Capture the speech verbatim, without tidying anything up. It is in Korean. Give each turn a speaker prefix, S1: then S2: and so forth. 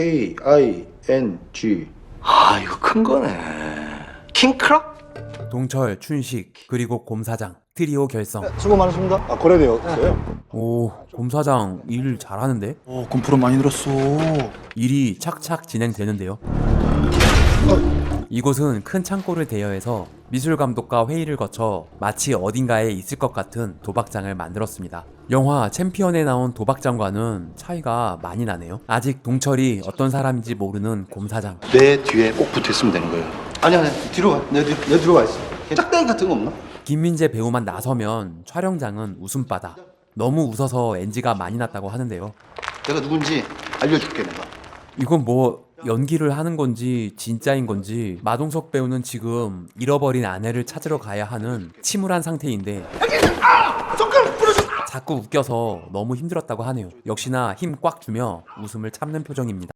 S1: A I N G.
S2: 아 이거 큰 거네. 킹크럭?
S3: 동철, 춘식, 그리고 곰사장 트리오 결성.
S1: 수고 많으십니다. 아, 거래되었어요?
S3: 오, 곰사장 일 잘하는데?
S4: 오, 군프로 많이 늘었어.
S3: 일이 착착 진행되는데요. 이곳은 큰 창고를 대여해서 미술감독과 회의를 거쳐 마치 어딘가에 있을 것 같은 도박장을 만들었습니다. 영화 챔피언에 나온 도박장과는 차이가 많이 나네요. 아직 동철이 어떤 사람인지 모르는 곰사장.
S2: 내 뒤에 꼭 붙어 있으면 되는 거예요.
S1: 아니, 아니, 뒤로 가. 내, 뒤, 내 뒤로 가 있어. 짝대기 같은 거 없나?
S3: 김민재 배우만 나서면 촬영장은 웃음바다. 너무 웃어서 엔지가 많이 났다고 하는데요.
S2: 내가 누군지 알려줄게 내가.
S3: 이건 뭐 연기를 하는 건지 진짜인 건지 마동석 배우는 지금 잃어버린 아내를 찾으러 가야 하는 침울한 상태인데 자꾸 웃겨서 너무 힘들었다고 하네요. 역시나 힘 꽉 주며 웃음을 참는 표정입니다.